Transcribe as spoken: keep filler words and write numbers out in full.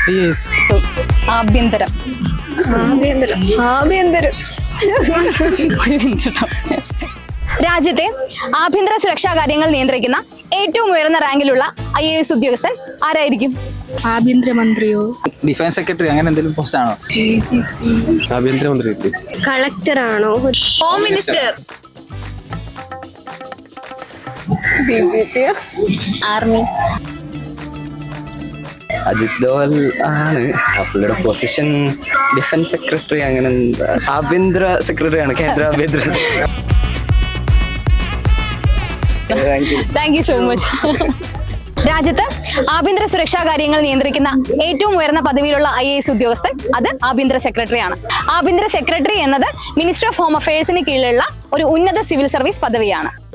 ആഭ്യന്തരം ആഭ്യന്തരം ആഭ്യന്തരം ഒരു മിനിറ്റ് ട്ടോ. രാജ്യത്തെ ആഭ്യന്തര സുരക്ഷാ കാര്യങ്ങൾ നിയന്ത്രിക്കുന്ന ഏറ്റവും ഉയർന്ന റാങ്കിലുള്ള ഐ എ എസ് ഉദ്യോഗസ്ഥൻ ആരായിരിക്കും? ആഭ്യന്തരമന്ത്രിയോ ഡിഫൻസ് സെക്രട്ടറി അങ്ങനെ എന്തെങ്കിലും പോസ്റ്റ് ആണോ? ആഭ്യന്തരമന്ത്രി കളക്ടർ ആണോ? Home minister, army. Ajit Doval ആണ്. പുള്ളിയുടെ പൊസിഷൻ ഡിഫൻസ് സെക്രട്ടറി അങ്ങനെ എന്താ? ആഭ്യന്തര സെക്രട്ടറി ആണ്, കേന്ദ്ര ആഭ്യന്തര സെക്രട്ടറി. Thank you so much. രാജ്യത്ത് ആഭ്യന്തര സുരക്ഷാ കാര്യങ്ങൾ നിയന്ത്രിക്കുന്ന ഏറ്റവും ഉയർന്ന പദവിയിലുള്ള ഐ എ എസ് ഉദ്യോഗസ്ഥൻ അത് ആഭ്യന്തര സെക്രട്ടറിയാണ്. ആഭ്യന്തര സെക്രട്ടറി എന്നത് മിനിസ്റ്റർ ഓഫ് ഹോം അഫയേഴ്സിന് കീഴിലുള്ള ഒരു ഉന്നത സിവിൽ സർവീസ് പദവിയാണ്.